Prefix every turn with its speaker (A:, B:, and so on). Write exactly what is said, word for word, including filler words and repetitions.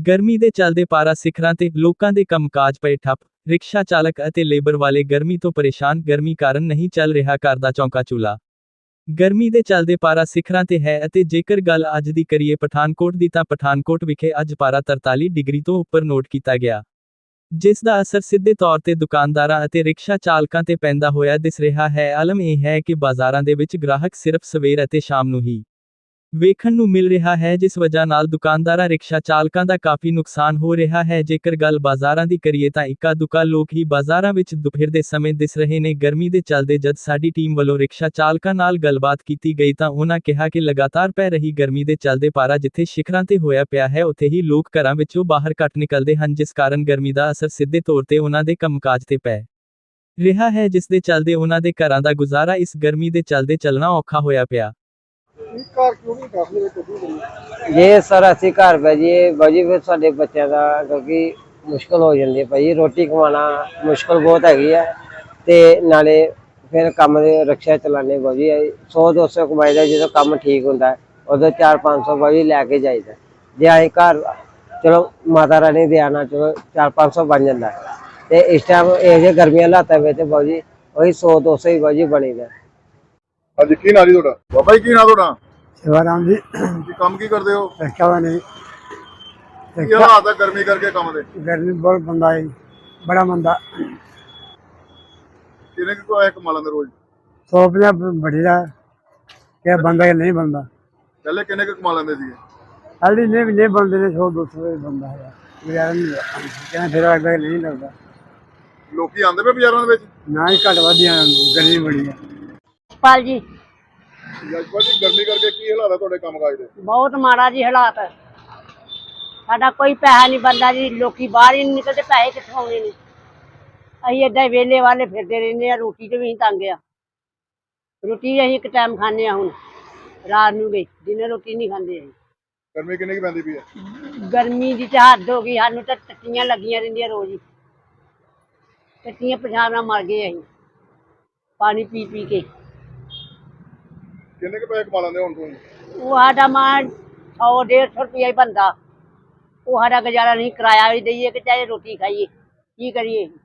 A: ਗਰਮੀ ਦੇ ਚੱਲਦੇ ਪਾਰਾ ਸਿਖਰਾਂ ਤੇ ਲੋਕਾਂ ਦੇ ਕੰਮਕਾਜ ਪਏ ਠੱਪ। ਰਿਕਸ਼ਾ ਚਾਲਕ ਅਤੇ ਲੇਬਰ ਵਾਲੇ ਗਰਮੀ ਤੋਂ ਪਰੇਸ਼ਾਨ। ਗਰਮੀ ਕਾਰਨ ਨਹੀਂ ਚੱਲ ਰਿਹਾ ਘਰ ਦਾ ਚੌਂਕਾ ਚੁੱਲ੍ਹਾ। ਗਰਮੀ ਦੇ ਚੱਲਦੇ ਪਾਰਾ ਸਿਖਰਾਂ ਤੇ ਹੈ ਅਤੇ ਜੇਕਰ ਗੱਲ ਅੱਜ ਦੀ ਕਰੀਏ ਪਠਾਨਕੋਟ ਦੀ ਤਾਂ ਪਠਾਨਕੋਟ ਵਿਖੇ ਅੱਜ ਪਾਰਾ ਤਰਤਾਲੀ ਡਿਗਰੀ ਤੋਂ ਉੱਪਰ ਨੋਟ ਕੀਤਾ ਗਿਆ, ਜਿਸ ਦਾ ਅਸਰ ਸਿੱਧੇ ਤੌਰ ਤੇ ਦੁਕਾਨਦਾਰਾਂ ਅਤੇ ਰਿਕਸ਼ਾ ਚਾਲਕਾਂ ਤੇ ਪੈਂਦਾ ਹੋਇਆ ਦਿਸ ਰਿਹਾ ਹੈ। ਆਲਮ ਇਹ ਹੈ ਕਿ ਬਾਜ਼ਾਰਾਂ ਦੇ ਵਿੱਚ ਗ੍ਰਾਹਕ ਸਿਰਫ ਸਵੇਰ ਅਤੇ ਸ਼ਾਮ ਨੂੰ ਹੀ ਵੇਖਣ ਨੂੰ ਮਿਲ ਰਿਹਾ ਹੈ, ਜਿਸ ਵਜ੍ਹਾ ਨਾਲ ਦੁਕਾਨਦਾਰਾਂ ਰਿਕਸ਼ਾ ਚਾਲਕਾਂ ਦਾ ਕਾਫੀ ਨੁਕਸਾਨ ਹੋ ਰਿਹਾ ਹੈ। ਜੇਕਰ ਗੱਲ ਬਾਜ਼ਾਰਾਂ ਦੀ ਕਰੀਏ ਤਾਂ ਇੱਕਾ ਦੁੱਕਾ ਲੋਕ ਹੀ ਬਾਜ਼ਾਰਾਂ ਵਿੱਚ ਦੁਪਹਿਰ ਦੇ ਸਮੇਂ ਦਿਸ ਰਹੇ ਨੇ। ਗਰਮੀ ਦੇ ਚੱਲਦੇ ਜਦ ਸਾਡੀ ਟੀਮ ਵੱਲੋਂ ਰਿਕਸ਼ਾ ਚਾਲਕਾਂ ਨਾਲ ਗੱਲਬਾਤ ਕੀਤੀ ਗਈ ਤਾਂ ਉਹਨਾਂ ਕਿਹਾ ਕਿ ਲਗਾਤਾਰ ਪੈ ਰਹੀ ਗਰਮੀ ਦੇ ਚੱਲਦੇ ਪਾਰਾ ਜਿੱਥੇ ਸਿਖਰਾਂ ਤੇ ਹੋਇਆ ਪਿਆ ਹੈ, ਉੱਥੇ ਹੀ ਲੋਕ ਘਰਾਂ ਵਿੱਚੋਂ ਬਾਹਰ ਘੱਟ ਨਿਕਲਦੇ ਹਨ, ਜਿਸ ਕਾਰਨ ਗਰਮੀ ਦਾ ਅਸਰ ਸਿੱਧੇ ਤੌਰ ਤੇ ਉਹਨਾਂ ਦੇ ਕੰਮਕਾਜ ਤੇ ਪੈ ਰਿਹਾ ਹੈ, ਜਿਸ ਦੇ ਚੱਲਦੇ ਉਹਨਾਂ ਦੇ ਘਰਾਂ ਦਾ ਗੁਜ਼ਾਰਾ ਇਸ ਗਰਮੀ ਦੇ ਚੱਲਦੇ ਚੱਲਣਾ ਔਖਾ ਹੋਇਆ ਪਿਆ।
B: ਜੇ ਸਰ ਅਸੀਂ ਘਰ ਪੈ ਜਾਈਏ ਬਾਜੀ ਫਿਰ ਸਾਡੇ ਬੱਚਿਆਂ ਦਾ ਕਿਉਂਕਿ ਮੁਸ਼ਕਲ ਹੋ ਜਾਂਦੀ ਹੈ ਭਾਜੀ, ਰੋਟੀ ਕਮਾਉਣਾ ਮੁਸ਼ਕਲ ਬਹੁਤ ਹੈਗੀ ਹੈ ਤੇ ਨਾਲੇ ਫਿਰ ਕੰਮ ਦੇ ਰਿਕਸ਼ਾ ਚਲਾਉਂਦੇ ਬਾਜੀ ਸੌ ਦੋ ਸੌ ਕਮਾਈ ਦਾ। ਜਦੋਂ ਕੰਮ ਠੀਕ ਹੁੰਦਾ ਉਦੋਂ ਚਾਰ ਪੰਜ ਸੌ ਬਾਜੀ ਲੈ ਕੇ ਜਾਈਦਾ। ਜੇ ਅਸੀਂ ਘਰ ਚਲੋ ਮਾਤਾ ਰਾਣੀ ਦੇ ਆਣਾ ਚਲੋ ਚਾਰ ਪੰਜ ਸੌ ਬਣ ਜਾਂਦਾ ਤੇ ਇਸ ਟਾਈਮ ਇਹ ਜਿਹੇ ਗਰਮੀਆਂ ਹਾਲਾਤਾਂ ਵਿੱਚ ਬਾਜੀ ਉਹੀ ਸੌ ਦੋ ਸੌ ਹੀ ਬਾਜੀ ਬਣੀਦਾ।
C: ਹਾਂਜੀ ਕੀ ਨਾਂ ਜੀ ਤੁਹਾਡਾ? ਬਾਬਾ ਜੀ ਕੀ ਨਾਂ ਤੁਹਾਡਾ?
D: शिवाराम जी
C: ਕੀ ਕੰਮ ਕੀ ਕਰਦੇ ਹੋ?
D: रिक्शा वाले
C: ਕੀ ਹਾਲਾਤ ਹੈ ਗਰਮੀ ਕਰਕੇ ਕੰਮ ਦੇ?
D: गर्मी बहुत बंदा है, बड़ा बंदा
C: ਕਿੰਨੇ ਕੁ ਆਇਆ ਕਮਾ ਲੈਂਦੇ ਰੋਜ਼?
D: सौ पंजाह बढ़ी रहा क्या बंदा या नहीं बनता।
C: ਪਹਿਲੇ ਕਿੰਨੇ ਕੁ ਕਮਾ ਲੈਂਦੇ ਸੀ?
D: हाली नहीं नहीं बनते ने सौ दो सौ बंदा है गुजारा नहीं कहना फिर लगता नहीं लगता।
C: ਲੋਕੀ ਆਉਂਦੇ ਪਏ ਬਾਜ਼ਾਰਾਂ ਦੇ ਵਿੱਚ?
D: ना ही घट वादियां गर्मी बड़ी है।
E: ਪਾਲ ਜੀ
C: ਜਸਪਾਲ ਜੀ ਗਰਮੀ ਕਰਕੇ ਕੀ ਹਾਲਾਤ ਹੈ ਤੁਹਾਡੇ ਕੰਮਕਾਜ ਦੇ?
E: ਬਹੁਤ ਮਾੜਾ ਜੀ ਹਾਲਾਤ। ਸਾਡਾ ਕੋਈ ਪੈਸਾ ਨਹੀਂ ਬਣਦਾ ਜੀ, ਲੋਕੀ ਬਾਹਰ ਹੀ ਨਹੀਂ ਨਿਕਲਦੇ, ਪੈਸੇ ਕਿੱਥੋਂ ਆਉਣੇ ਨੇ। ਅਸੀਂ ਏਦਾਂ ਹੀ ਵਿਹਲੇ ਵਾਲੇ ਫਿਰਦੇ ਰਹਿੰਦੇ ਆ, ਰੋਟੀ ਤੇ ਵੀ ਅਸੀਂ ਤੰਗ ਆ। ਰੋਟੀ ਅਸੀਂ ਇੱਕ ਟਾਈਮ ਖਾਂਦੇ ਆ, ਹੁਣ ਰਾਤ ਨੂੰ ਗਈ ਦਿਨੇ ਰੋਟੀ ਨਹੀਂ ਖਾਂਦੇ ਅਸੀਂ।
C: ਗਰਮੀ ਕਿੰਨੀ ਕੁ ਪੈਂਦੀ ਪਈ ਹੈ?
E: ਗਰਮੀ ਦੀ ਤਾਂ ਹੱਦ ਹੋ ਗਈ, ਸਾਨੂੰ ਤਾਂ ਟੱਟੀਆਂ ਲੱਗੀਆਂ ਰਹਿੰਦੀਆਂ ਰੋਜ਼ ਹੀ, ਟੱਟੀਆਂ ਪਛਾਣ ਨਾਲ ਮਰ ਗਏ ਅਸੀਂ ਪਾਣੀ ਪੀ ਪੀ ਕੇ।
C: ਕਿੰਨੇ ਕੁ ਪੈਸੇ ਕਮਾ ਲੈਂਦੇ ਹੁਣ ਤੁਸੀਂ?
E: ਉਹ ਸਾਡਾ ਮਾਂ ਸੌ ਡੇਢ ਸੌ ਰੁਪਇਆ ਹੀ ਬਣਦਾ, ਉਹ ਸਾਡਾ ਗੁਜ਼ਾਰਾ ਨਹੀਂ। ਕਿਰਾਇਆ ਵੀ ਦਈਏ ਕਿ ਚਾਹੇ ਰੋਟੀ ਖਾਈਏ, ਕੀ ਕਰੀਏ?